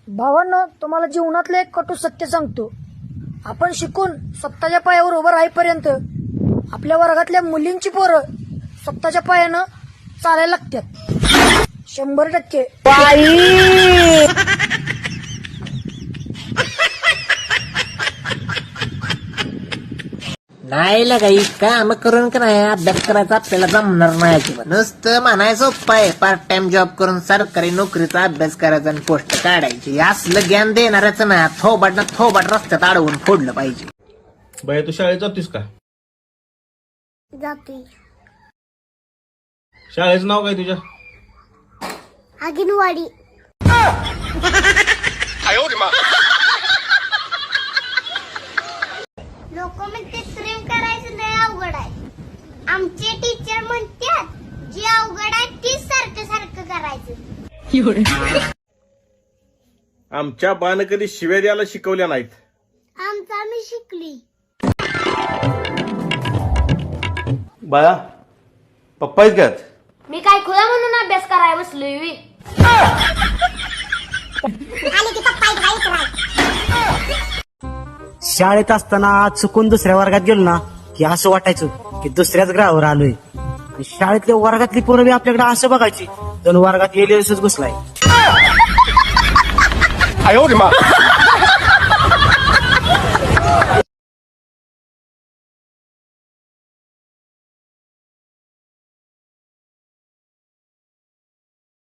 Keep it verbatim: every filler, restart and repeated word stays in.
भावांनो, तुम्हाला जीवनातलं एक कटू सत्य सांगतो. आपण शिकून स्वतःच्या पायावर उभं राहीपर्यंत आपल्या वर्गातल्या मुलींची पोरं स्वतःच्या पायानं चालायला लागतात. शंभर टक्के. नाही लगाई काम करून का नाही अभ्यास करायचा आपल्याला जमणार नाही अजिबात. नुसतं म्हणायचं उपाय पार्ट टाइम जॉब करून सरकारी नोकरीचा अभ्यास करायचा आणि पोस्ट काढायची. असलं ज्ञान देणारच ना थोबाट ना थोबाट रस्त्यात अडवून फोडलं पाहिजे. बाई तू शाळेत जातोस का? जाते. शाळेचं नाव काय तुझ्या? अंगणवाडी. लोक म्हणते प्रेम करायचं लय अवघड आहे. आमचे टीचर म्हणतात जे अवघड आहे तीच सारखं सारखं करायचं. आमच्या बाण कधी शिव्या द्यायला शिकवल्या नाहीत. आमचा मी शिकली. बाळा पप्पा आहेत का? मी काय खुला म्हणून अभ्यास करायला बसलोय वी. शाळेत असताना चुकून दुसऱ्या वर्गात गेलो ना की असं वाटायचं की दुसऱ्याच ग्रहावर आलोय. आणि शाळेतल्या वर्गातली पोरं बी आपल्याकडे असं बघायची जणू वर्गात एलियन्सच घुसलाय.